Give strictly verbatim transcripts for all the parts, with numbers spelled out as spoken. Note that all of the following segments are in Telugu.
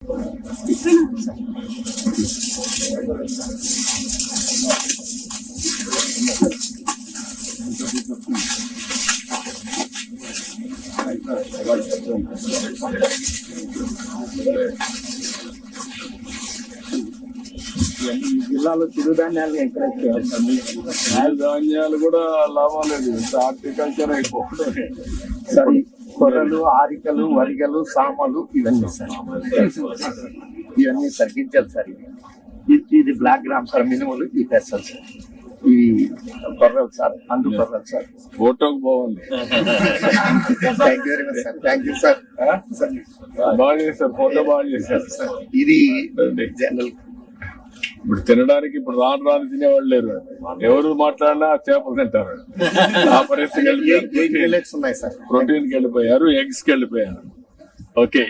జిల్లాలో చిరుధాన్యాలు ఎంకరేజ్ చేయాలి. ధాన్యాలు కూడా లాభం లేదు, హార్టికల్చర్ అయిపోతుంది. సరే, కొర్రలు, ఆరికలు, వరిగలు, సామలు ఇవన్నీ సార్ ఇవన్నీ సార్ గింజలు సార్. ఇవి ఇది- ఇది బ్లాక్ గ్రామ్ సార్, మినుములు ఈ పెసలు సార్, ఇవి కొర్రలు సార్, అందు కొర్రలు సార్. ఫోటోకి బాగుంది, thank you very much sir. Thank you sir. బాగా చేశారు, ఫోటో బాగా చేశారు. ఇది జనరల్ ఇప్పుడు తినడానికి ఇప్పుడు రాను రాను తినేవాళ్ళు లేరు, ఎవరు మాట్లాడినా చేపలు తింటారు. ఆ పరిస్థితి ఎయిట్ మిల్లెట్స్ ఉన్నాయి సార్. ప్రోటీన్ కి వెళ్ళిపోయారు, ఎగ్స్ కి వెళ్ళిపోయారు. ఓకే,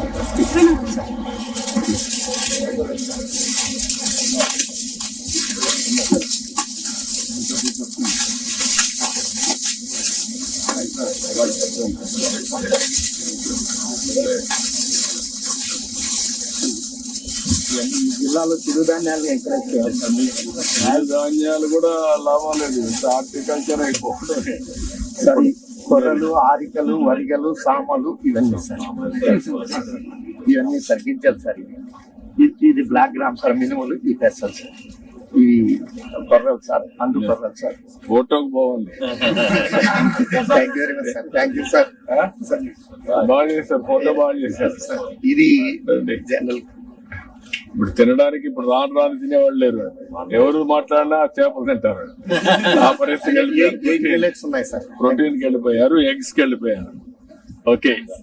ఈ జిల్లాలో చిరుధాన్యాలు ఎంకరేజ్ చేయాలి. ధాన్యాలు కూడా లాభం లేదు, హార్టికల్చర్ అయిపోతుంది. సరే, కొర్రలు, ఆరికలు, వరిగలు, సామలు ఇవన్నీ సార్ ఇవన్నీ సార్ గింజలు సార్. ఇవి ఇది- ఇది బ్లాక్ గ్రామ్ సార్, మినుములు ఈ పెసలు సార్, ఇవి కొర్రలు సార్, అందు కొర్రలు సార్. ఫోటోకి బాగుంది, thank you very much sir. Thank you sir. బాగా చేశారు, ఫోటో బాగా చేశారు. ఇది జనరల్ ఇప్పుడు తినడానికి ఇప్పుడు రాను రాను తినేవాళ్ళు లేరు, ఎవరు మాట్లాడినా చేపలు తింటారు. ఆ పరిస్థితి ఎయిట్ మిల్లెట్స్ ఉన్నాయి సార్. ప్రోటీన్ కి వెళ్ళిపోయారు, ఎగ్స్ కి వెళ్ళిపోయారు. ఓకే.